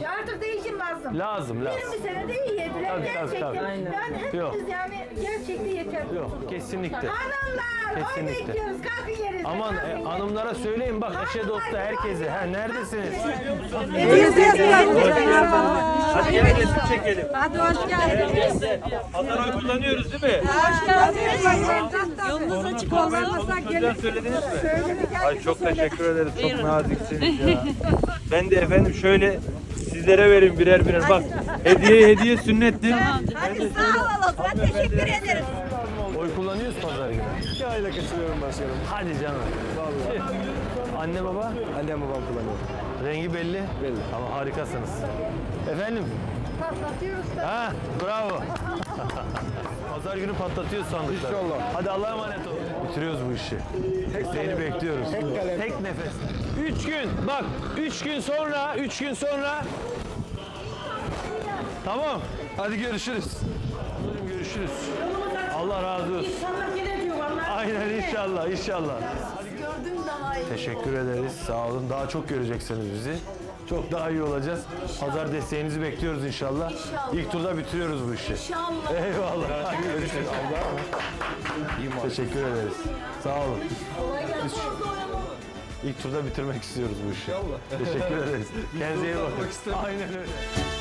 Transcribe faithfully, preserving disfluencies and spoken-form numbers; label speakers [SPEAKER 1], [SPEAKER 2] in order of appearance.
[SPEAKER 1] Artık değişim lazım.
[SPEAKER 2] Lazım, lazım.
[SPEAKER 1] yirmi senede iyi yediler
[SPEAKER 2] Tabii, tabii,
[SPEAKER 1] gerçekten.
[SPEAKER 2] tabii.
[SPEAKER 1] Yani hepimiz
[SPEAKER 2] Yok.
[SPEAKER 1] yani gerçekten yeter.
[SPEAKER 2] Yok, kesinlikle.
[SPEAKER 1] Hanımlar, oy
[SPEAKER 2] Kesinlikle.
[SPEAKER 1] bekliyoruz. Kalkın yerinize.
[SPEAKER 2] Aman e,
[SPEAKER 1] kalkın.
[SPEAKER 2] hanımlara söyleyin bak eşe dosta herkese. Ha neredesiniz?
[SPEAKER 3] Hadi gel resim çekelim.
[SPEAKER 4] Hadi hoş geldiniz.
[SPEAKER 3] Pazar oy kullanıyoruz değil mi?
[SPEAKER 4] Hoş geldiniz. Yolunuz açık olmazsa
[SPEAKER 3] Çocuğa
[SPEAKER 4] gelin.
[SPEAKER 3] söylediniz mi?
[SPEAKER 4] Söyledik.
[SPEAKER 3] Ay çok teşekkür ederiz. Çok naziksiniz ya. Ben de efendim şöyle sizlere vereyim birer birer. Bak hediye hediye sünnettir.
[SPEAKER 4] Hadi sağ olalım. Ben teşekkür ederim.
[SPEAKER 2] Oy kullanıyoruz pazar günü.
[SPEAKER 5] İki ayda kaçırıyorum başkanım.
[SPEAKER 2] Hadi canım. Vallahi. Anne baba
[SPEAKER 5] Annem babam kullanıyor.
[SPEAKER 2] rengi belli.
[SPEAKER 5] Belli.
[SPEAKER 2] Ama harikasınız. Efendim?
[SPEAKER 1] Patlatıyoruz da.
[SPEAKER 2] Ha bravo. Pazar günü patlatıyoruz sandıkları.
[SPEAKER 5] İnşallah.
[SPEAKER 2] Hadi Allah'a emanet olun. Bitiriyoruz bu işi. Seni bekliyoruz.
[SPEAKER 5] Tek kalem.
[SPEAKER 2] Tek nefes. Üç gün bak üç gün sonra üç gün sonra tamam. Hadi görüşürüz. Buyurun, görüşürüz. Allah razı olsun.
[SPEAKER 1] İnşallah yine diyor vallahi.
[SPEAKER 2] Aynen inşallah inşallah.
[SPEAKER 1] Gördüm daha iyi.
[SPEAKER 2] Teşekkür ederiz. Sağ olun. Daha çok göreceksiniz bizi. Çok daha iyi olacağız. Pazar desteğinizi bekliyoruz inşallah.
[SPEAKER 1] İnşallah.
[SPEAKER 2] İlk turda bitiriyoruz bu işi.
[SPEAKER 1] İnşallah.
[SPEAKER 2] Eyvallah. Hadi görüşürüz. Teşekkür ederiz. Sağ olun. Biz ilk turda bitirmek istiyoruz bu işi. Teşekkür ederiz. Kendinize iyi bakın. Aynen öyle.